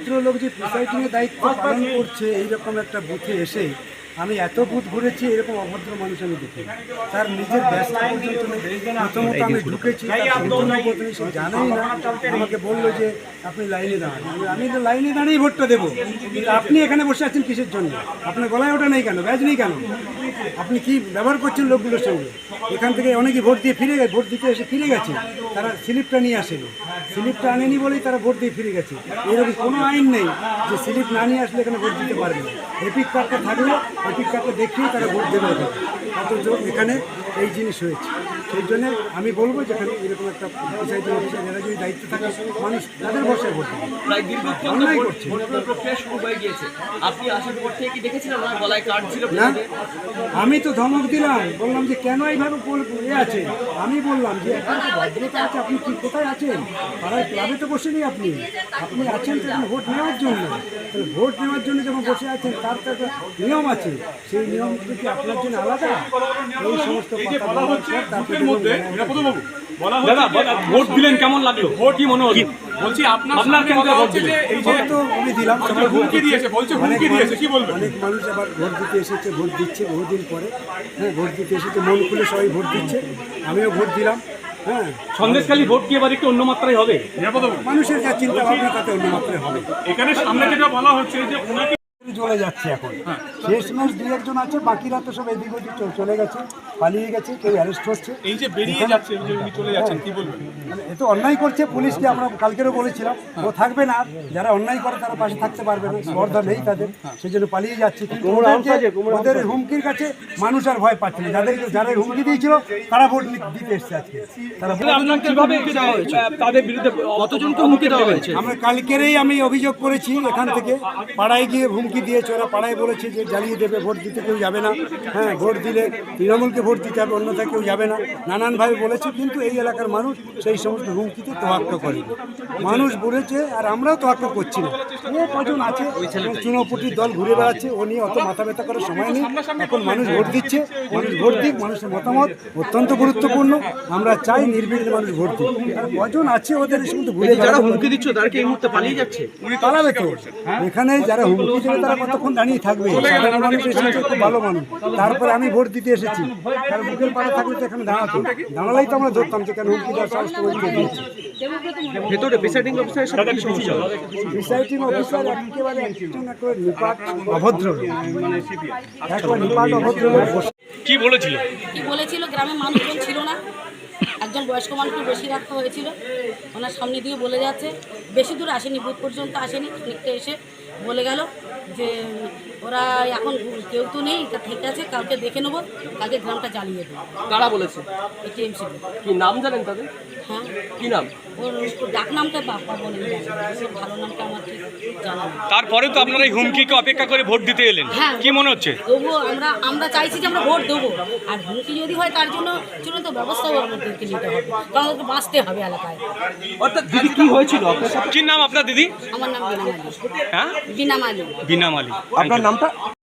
লোক যে প্রিসাইডিংয়ের দায়িত্ব পালন করছে এইরকম একটা বুথে এসে আমি এত বুথ ঘুরেছি, এরকম অভদ্র মানুষ আমি দেখি। তার নিজের ব্যস্ত পর্যন্ত নেই। প্রথমত আমি ঢুকেছি, সে জানেই না, আমাকে বললো যে আপনি লাইনে দাঁড়ান। আমি তো লাইনে দাঁড়িয়ে ভোটটা দেবো, কিন্তু আপনি এখানে বসে আছেন কিসের জন্য? আপনার গলায় ওটা নেই কেন, ব্যাজ নেই কেন? আপনি কি ব্যবহার করছেন লোকগুলোর সঙ্গে? এখান থেকে অনেকেই ভোট দিয়ে ফিরে গেছে, ভোট দিতে এসে ফিরে গেছে, তারা স্লিপটা নিয়ে আসেনি। স্লিপটা আনেনি বলেই তারা ভোট দিয়ে ফিরে গেছে। এরকম কোনো আইন নেই যে স্লিপ না নিয়ে আসলে এখানে ভোট দিতে পারবে। এপিক কার্ডটা থাকলে এপিক কার্ডটা দেখিয়ে তারা ভোট দেবে এখানে। অথচ এখানে এই জিনিস হয়েছে। সেই জন্য আমি বলবো যেখানে এরকম একটা প্রিসাইডিং অফিসার এরা যদি দায়িত্ব থাকে, মানুষ তাদের বসায় ভোট দেবে। অন্যায় করছে না। আমি তো ধমক দিলাম, বললাম যে কেন এইভাবে আছে। আমি বললাম যে এখানে ভদ্রতা আছে, আপনি কি কোথায় আছেন? পাড়ায় ক্লাবে তো বসে নেই আপনি। আপনি আছেন তো ভোট নেওয়ার জন্য। তাহলে ভোট নেওয়ার জন্য যখন বসে আছেন তার তো একটা নিয়ম আছে, সেই নিয়মটা কি আপনার জন্য আলাদা? এই সমস্ত ভোট দিলেন, কেমন লাগলো? ভোট কি মনে হলো? বলছি আপনার কেন ভোট দিলেন? এই ভোট তো আমি দিলাম, হুমকি দিয়েছে, বলছে হুমকি দিয়েছে, কি বলবেন? অনেক মানুষ আবার ভোট দিতে এসেছে, ভোট দিচ্ছে বহুদিন পরে। হ্যাঁ, ভোট দিতে এসেছে, মন খুলে সবাই ভোট দিচ্ছে, আমিও ভোট দিলাম। হ্যাঁ, সন্দেশখালী ভোট কি এবার একটু অন্য মাত্রায় হবে? মানুষের যা চিন্তা ভাবনা তাতে অন্য মাত্রায় হবে। এখানে সামনে যেটা বলা হচ্ছে যে ওনাকে চলে যাচ্ছে এখন, শেষ ম্যাচ দু একজন আছে, বাকিরা তো সব এদিক ওদিক চলে গেছে, পালিয়ে গেছে, কেউ অ্যারেস্ট হচ্ছে। এই যে বেরিয়ে যাচ্ছে, এই যে উনি চলে যাচ্ছেন, কি বলবেন? এ তো অন্যায় করছে। পুলিশকে আমরা কালকেরও বলেছিলাম ও থাকবে না, যারা অন্যায় করে তারা পাশে থাকতে পারবে না, স্পর্ধা নেই তাদের, সেই জন্য পালিয়ে যাচ্ছে। কিন্তু ওদের হুমকির কাছে মানুষ আর ভয় পাচ্ছে না। যারা হুমকি দিয়েছিল তারা ভোট দিতে এসছে আজকে। তারা তাদের বিরুদ্ধে কতজনকে হুমকি দেওয়া হয়েছে? আমরা কালকেরই আমি অভিযোগ করেছি, এখান থেকে পাড়ায় গিয়ে হুমকি দিয়েছে। ওরা পাড়ায় বলেছে যে জ্বালিয়ে দেবে, ভোট দিতে কেউ যাবে না। হ্যাঁ, ভোট দিলে তৃণমূলকে ভোট দিতে হবে, অন্যথায় কেউ যাবে না, নানানভাবে বলেছে। কিন্তু এই এলাকার মানুষ সেই সমস্ত হুমকিতে তোয়াক্কা করেনি। মানুষ বলেছে, আর আমরাও তোয়াক্কা করছি না। ও কজন আছে চুনোপুটির দল ঘুরে বেড়াচ্ছে, ও নিয়ে অত মাথা ব্যথা করার সময় নেই। এখন মানুষ ভোট দিচ্ছে, মানুষ ভোট দিক, মানুষের মতামত অত্যন্ত গুরুত্বপূর্ণ। আমরা চাই নির্বিঘ্নে মানুষ ভোট দিক। আর কজন আছে ওদের কিন্তু ঘুরে যারা হুমকি দিচ্ছে তাদেরকে এই মুহূর্তে পালিয়ে যাচ্ছে, পালাবে তো। এখানে যারা হুমকি দেবে তারা কতক্ষণ দাঁড়িয়ে থাকবে? সাধারণ মানুষ এসেছে, খুব ভালো মানুষ। তারপরে আমি ভোট দিতে এসেছি, তার বুকের পাড়া থাকলে তো এখানে দাঁড়াতো, দাঁড়ালেই তো আমরা ধরতাম যে কেন হুমকি দেওয়ার সাহস করে দিয়েছি। ভেতরে প্রিসাইডিং অফিসারের সাথে কি সমস্যা? প্রিসাইডিং অফিসার একেবারে একজন একেবারে নিপাট অভদ্র লোক, একবার নিপাট অভদ্র লোক। কি বলেছিল? গ্রামের মানুষজন ছিল না, একজন বয়স্ক মানুষকে বেশি রাখতে হয়েছিল। ওনার সামনে দিয়ে বলে যাচ্ছে, বেশি দূর আসেনি, বুথ পর্যন্ত আসেনি, খানিকটা এসে বলে গেল যে ওরা এখন কেউ তো নেই, তা ঠিক আছে, কালকে দেখে নেবো, কালকে গ্রামটা জ্বালিয়ে দেবো। কারা বলেছে? টিএমসি। কি নাম জানেন তাদের? হ্যাঁ, কি নাম? ওর ডাক নামটা বাপ্পা বলে, ভালো নামটা আমার ঠিক জানা নেই। তারপরে তো আপনারা এই হুমকিকে অপেক্ষা করে ভোট দিতে এলেন, হ্যাঁ, কি মনে হচ্ছে? তবুও আমরা চাইছি যে আমরা ভোট দেবো, আর হুমকি যদি হয় তার জন্য চূড়ান্ত ব্যবস্থাও আমাদেরকে নিতে হবে, কারণ আমাদেরকে বাঁচতে হবে এলাকায়। অর্থাৎ দিদি কি হয়েছিল আপনার সাথে? কি নাম আপনার দিদি? আমার নাম বিনা মালি। হ্যাঁ, বিনা মালি। বিনা মালি। আপনার নামটা?